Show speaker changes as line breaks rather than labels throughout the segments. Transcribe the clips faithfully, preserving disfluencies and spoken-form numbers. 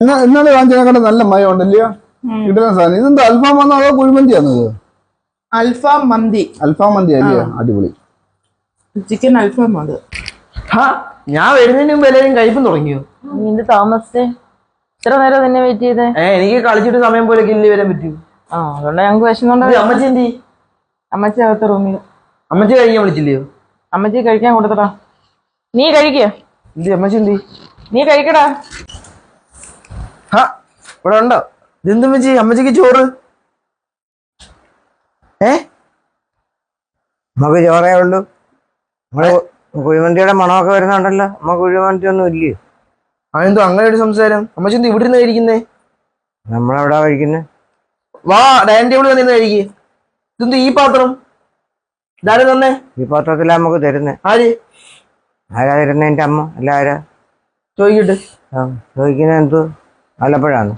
ഇന്നലെ വാങ്ങിച്ചതിനെക്കാട്ട് നല്ല മയം ഉണ്ടല്ലയോ കിട്ടുന്ന സാധനം. ഇതെന്താ അൽഫാം വന്നോ അതോ കുഴിമന്തിയാണത്?
അൽഫാം മന്തി.
അൽഫാം മന്തി അല്ലയോ? അടിപൊളി
ചിക്കൻ അൽഫാം. അത്
ഞാൻ വരുന്നതിന് മുമ്പ് എല്ലാവരും കഴിപ്പം തുടങ്ങിയോ?
നിന്റെ താമസിച്ചേ ഇത്ര നേരം നിന്നെ വെയിറ്റ് ചെയ്തേ?
ഏഹ് എനിക്ക് കളിച്ചിട്ട് സമയം പോലെ കില്ലി വരാൻ പറ്റൂ.
ആ അതുകൊണ്ട് ഞങ്ങൾക്ക് വിശന്നുണ്ടോ?
അമ്മച്ചി എന്തി?
അമ്മച്ചി അകത്ത റൂമിൽ.
അമ്മച്ചി കഴിക്കാൻ വിളിച്ചില്ലയോ?
അമ്മച്ചി കഴിക്കാൻ കൊടുത്തടാ. നീ കഴിക്കുക.
എന്തി അമ്മച്ചി എന്തി?
നീ കഴിക്കടാ.
ഹാ ഇവിടെ ഉണ്ടോ? ഇതെന്ത് അമ്മച്ചി? അമ്മച്ചിക്ക് ചോറ്? ഏ
നമുക്ക് ചോറേ ഉള്ളൂ. നമ്മള് കുഴിമന്തിയുടെ മണമൊക്കെ വരുന്നുണ്ടല്ലോ. നമുക്ക് കുഴിമന്തി ഒന്നും ഇല്ലയോ?
അതെന്തോ അങ്ങനെ ഒരു സംസാരം? അമ്മച്ചി എന്ത് ഇവിടെ നിന്ന് കഴിക്കുന്നേ?
നമ്മളെവിടാ കഴിക്കുന്നത്?
വാ ഡൈനിങ് ടേബിളിൽ നിന്ന് കഴിക്കേ. ഇതെന്ത് ഈ പാത്രം? ഇതാരും തന്നെ
ഈ പാത്രത്തിലാ നമുക്ക് തരുന്നേ.
ആര്
ആരാ തരുന്നേ? എന്റെ അമ്മ. അല്ല ആരാ
ചോദിക്കട്ടെ.
ആ ചോദിക്കുന്നത് എന്തോ ആലപ്പുഴാണ്.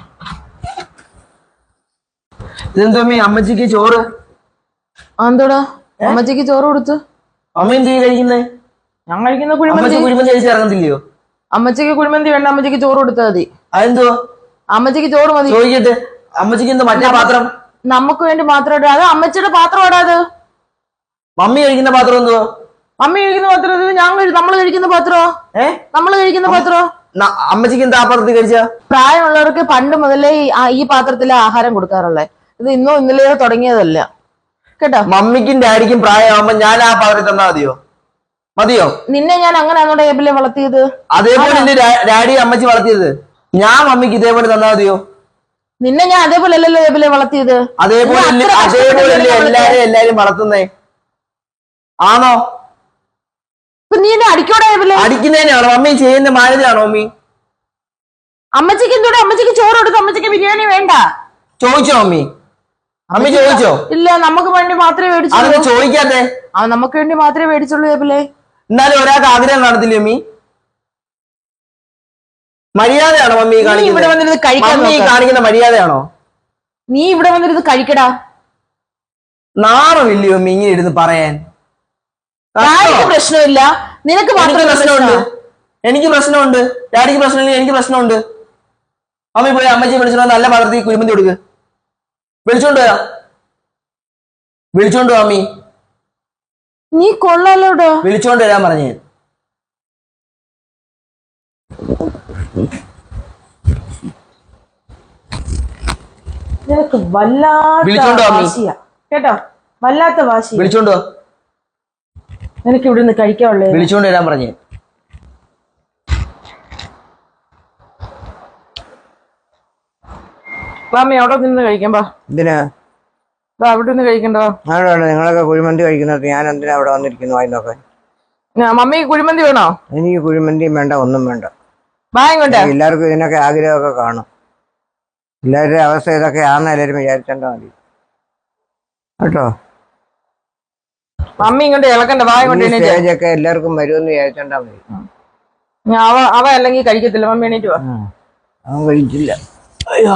ഇതെന്തോ അമ്മ അമ്മച്ചിക്ക് ചോറ്?
എന്തോടാ അമ്മച്ചിക്ക് ചോറ് കൊടുത്തു?
അമ്മ എന്ത് കഴിക്കുന്നേ?
ഞാൻ കഴിക്കുന്ന കുഴിമന്തി.
കുഴിമന്തി കഴിച്ച് ഇറങ്ങത്തില്ലയോ?
അമ്മച്ചിക്ക് കുഴിമന്തി വേണ്ട, അമ്മച്ചിക്ക് ചോറ് കൊടുത്താൽ മതി.
അതെന്തോ?
അമ്മച്ചിക്ക് ചോറ് മതി.
ചോദിക്കട്ടെ. അമ്മച്ചിക്ക് എന്താ മറ്റേ പാത്രം?
നമുക്ക് വേണ്ടി മാത്രം ഇടാ. അത് അമ്മച്ചിയുടെ പാത്രം ഇടാത്.
മമ്മി കഴിക്കുന്ന പാത്രം എന്തോ?
മമ്മി കഴിക്കുന്ന പാത്രം ഞാൻ നമ്മള് കഴിക്കുന്ന പാത്രോ? ഏ നമ്മള് കഴിക്കുന്ന പാത്രോ?
അമ്മച്ചിക്ക് എന്താ ആ പാത്രത്തിൽ കഴിച്ച?
പ്രായമുള്ളവർക്ക് പണ്ട് മുതലേ ഈ പാത്രത്തിലെ ആഹാരം കൊടുക്കാറുള്ളത്. ഇത് ഇന്നോ ഇന്നലെയോ തുടങ്ങിയതല്ല കേട്ടോ.
മമ്മിക്കും ഡാഡിക്കും പ്രായമാകുമ്പോ ഞാൻ ആ പാത്രത്തിൽ തന്നാ മതിയോ? മതിയോ?
നിന്നെ ഞാൻ അങ്ങനെയാണോ ടേബിളിൽ വളർത്തിയത്?
അതേപോലെ എന്റെ ഡാഡി അമ്മച്ചി വളർത്തിയത്. ഞാൻ മമ്മിക്ക് ഇതേപോലെ തന്നാ മതിയോ?
നിന്നെ ഞാൻ അതേപോലെ അല്ലല്ലോ ടേബിളിൽ വളർത്തിയത്.
അതേപോലെ അതേപോലെ എല്ലാരും എല്ലാരും വളർത്തുന്നേ ആണോ?
നീ എന്നെ അടിക്കോടെ?
അടിക്കുന്നതിനാണോ? മമ്മി ചെയ്യുന്ന മാനേജാണോ മമ്മി?
അമ്മച്ചിക്ക് എന്തോടെ? അമ്മച്ചിക്ക് ചോറ് കൊടുത്തു. അമ്മച്ചിക്ക് ബിരിയാണി വേണ്ട.
ചോദിച്ചോ മമ്മി? മമ്മി ചോദിച്ചോ?
ഇല്ല, നമുക്ക് വേണ്ടി മാത്രമേ മേടിച്ചുള്ളൂ.
അതൊന്നും ചോദിക്കാതെ.
ആ നമുക്ക് വേണ്ടി മാത്രമേ മേടിച്ചുള്ളൂ ടേബിളെ.
എന്നാലും ഒരാൾക്ക് ആഗ്രഹം കാണത്തില്ലേ മമ്മി? മര്യാദയാണോ മമ്മി
ഇവിടെ വന്നിരുന്ന് കഴിക്കാൻ?
മമ്മി കാണിക്കുന്ന മര്യാദയാണോ?
നീ ഇവിടെ വന്നിരുന്ന് കഴിക്കടാ.
നാണമില്ലയോ മമ്മി ഇങ്ങനെ ഇരുന്ന് പറയാൻ?
ഡാഡിക്ക് പ്രശ്നമില്ല, നിനക്ക് മാത്രം
പ്രശ്നമുണ്ട്. എനിക്ക് പ്രശ്നമുണ്ട്. ഡാഡിക്ക് പ്രശ്നമില്ല, എനിക്ക് പ്രശ്നമുണ്ട്. മമ്മി പോയി അമ്മച്ചി വിളിച്ചോ, നല്ല പാത്രത്തിൽ കുഴിമന്തി കൊടുക്ക്. വിളിച്ചോണ്ട് വരാം. വിളിച്ചോണ്ട് മമ്മി.
നീ കൊള്ളാലോടാ.
വിളിച്ചോണ്ട് വരാൻ പറഞ്ഞു.
നിനക്ക് വല്ലാത്ത വാശിയാ കേട്ടോ, വല്ലാത്ത വാശി.
വിളിച്ചോണ്ടോ?
നിനക്ക് ഇവിടെ നിന്ന് കഴിക്കാനുള്ളേ.
വിളിച്ചോണ്ട് വരാൻ പറഞ്ഞു.
മാമി അവിടെ നിന്ന് കഴിക്കാം.
എന്തിനാ
അവിടെ നിന്ന് കഴിക്കണ്ടോ?
അവിടെ നിങ്ങളൊക്കെ കുഴിമന്തി കഴിക്കുന്നത് ഞാൻ എന്തിനാ അവിടെ വന്നിരിക്കുന്നു വായി നോക്കാൻ?
മമ്മി കുഴിമന്തി വേണോ?
എനിക്ക് കുഴിമന്തിയും വേണ്ട, ഒന്നും വേണ്ട.
വാങ്ങോട്ടെ.
എല്ലാവർക്കും ഇതിനൊക്കെ ആഗ്രഹമൊക്കെ കാണും. എല്ലാവരുടെ അവസ്ഥ ഇതൊക്കെ ആണെന്ന് എല്ലാവരും വിചാരിച്ചാൽ മതി കേട്ടോ.
മമ്മി ഇങ്ങോട്ട് ഇളക്കണ്ട. വാങ്ങോട്ടെ.
സ്റ്റേജൊക്കെ എല്ലാവർക്കും വരുമെന്ന് വിചാരിച്ചാൽ മതി.
അവ അവ അല്ലെങ്കിൽ കഴിക്കത്തില്ല. മമ്മി എണീറ്റ് വാ.
അവൻ കഴിച്ചില്ല.
അയ്യോ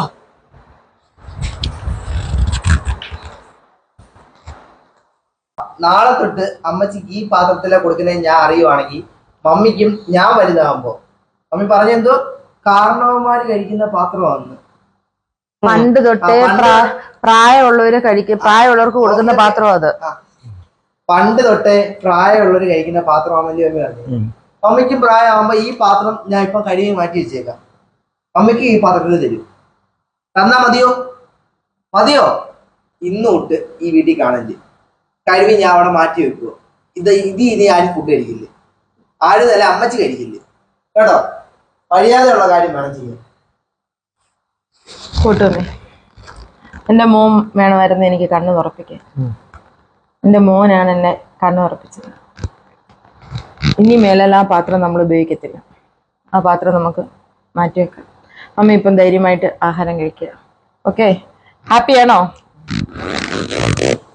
നാളെ തൊട്ട് അമ്മച്ചിക്ക് ഈ പാത്രത്തിലെ കൊടുക്കുന്നത് ഞാൻ അറിയുവാണെങ്കിൽ മമ്മിക്കും ഞാൻ വലുതാകുമ്പോ മമ്മി പറഞ്ഞെന്തോ കാരണവന്മാര് കഴിക്കുന്ന പാത്രമാണ്.
പണ്ട് തൊട്ടേ പ്രായമുള്ളവര് കഴിക്കും, പ്രായമുള്ളവർക്ക് കൊടുക്കുന്ന പാത്രം അത്.
പണ്ട് തൊട്ടേ പ്രായമുള്ളവര് കഴിക്കുന്ന പാത്രമാണെന്ന് മമ്മി പറഞ്ഞു. മമ്മിക്കും പ്രായമാകുമ്പോ ഈ പാത്രം ഞാൻ ഇപ്പൊ കഴുകി മാറ്റി വെച്ചേക്കാം. മമ്മിക്ക് ഈ പാത്രത്തിൽ തരും. തന്നാ മതിയോ? മതിയോ? ഇന്ന് തൊട്ട് ഈ വീട്ടിൽ കാണല് കഴിവി ഞാൻ അവിടെ മാറ്റി വെക്കുവോ? ഇത് ഇത് ഇനി ആരും ഫുഡ് കഴിക്കില്ലേ. ആരും തന്നെ അമ്മച്ചി കഴിക്കില്ലേ കേട്ടോ. മര്യാദയുള്ള കാര്യം വേണം ചെയ്യാൻ.
കൂട്ടുമേ, എന്റെ മോൻ വേണമായിരുന്നു എനിക്ക് കണ്ണു തുറപ്പിക്കാൻ. എന്റെ മോനാണ് എന്നെ കണ്ണു തുറപ്പിച്ചത്. ഇനി മേലാൽ ആ പാത്രം നമ്മൾ ഉപയോഗിക്കത്തില്ല. ആ പാത്രം നമുക്ക് മാറ്റിവെക്കാം. അമ്മ ഇപ്പം ധൈര്യമായിട്ട് ആഹാരം കഴിക്കുക. ഓക്കെ, ഹാപ്പിയാണോ?